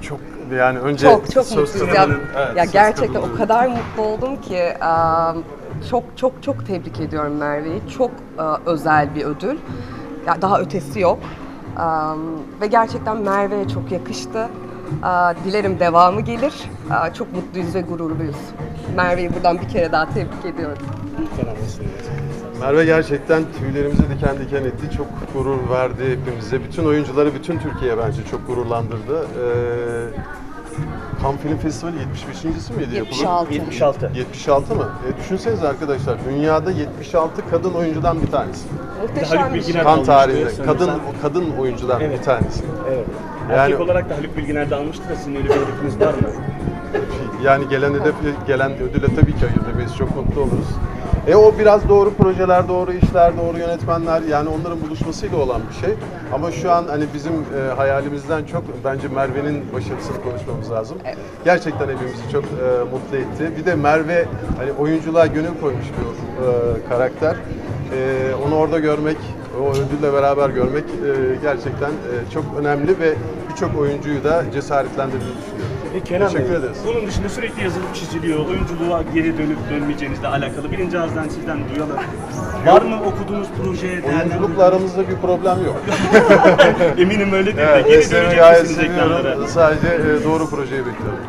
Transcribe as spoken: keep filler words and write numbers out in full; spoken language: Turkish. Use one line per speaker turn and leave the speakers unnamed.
Çok yani önce
Çok çok
söz
mutluyuz ya.
kadının- evet,
Ya
söz
gerçekten
kadının-
o kadar mutlu oldum ki em, çok çok çok tebrik ediyorum Merve'yi. Çok e, özel bir ödül. Ya daha ötesi yok. Em, ve gerçekten Merve'ye çok yakıştı. E, dilerim devamı gelir. E, çok mutluyuz ve gururluyuz. Merve'yi buradan bir kere daha tebrik ediyorum.
Merve gerçekten tüylerimizi diken diken etti. Çok gurur verdi hepimize. Bütün oyuncuları, bütün Türkiye bence çok gururlandırdı. Ee, Cannes Film Festivali yetmiş beşincisi miydi
yetmiş
yapılan?
altı.
yetmiş altı.
yetmiş altı mı? E, düşünsenize arkadaşlar, dünyada yetmiş altı kadın oyuncudan bir tanesi.
Muhteşem
Haluk
bir şey.
Bilginer-
Kan
almıştı
tarihinde
sanırsam.
kadın kadın oyuncudan
Evet.
bir tanesi.
Evet.
Yani-
Erkek olarak da Haluk Bilginer de almıştı da sizin öyle bir hedefiniz var mı?
Yani gelen hedef, gelen ödüle tabii ki hayır demeyiz. Çok mutlu oluruz. E o biraz doğru projeler, doğru işler, doğru yönetmenler, yani onların buluşmasıyla olan bir şey. Ama şu an hani bizim e, hayalimizden çok bence Merve'nin başarısını konuşmamız lazım.
Evet.
Gerçekten hepimizi çok e, mutlu etti. Bir de Merve hani oyunculuğa gönül koymuş bir e, karakter. E, onu orada görmek, o ödülle beraber görmek e, gerçekten e, çok önemli ve birçok oyuncuyu da cesaretlendirdiğini düşünüyorum.
E Kenan
Teşekkür
Bey,
ederiz.
bunun dışında sürekli yazılıp çiziliyor. Oyunculuğa geri dönüp dönmeyeceğinizle alakalı birinci ağızdan sizden duyalım. Var mı okuduğunuz proje?
Oyunculukla aramızda bir problem yok.
Eminim öyledir de
Evet,
geri
mesleğimi
dönecek
gayet
misiniz ekranlara?
seviyorum. Sadece e, doğru projeyi bekliyorum.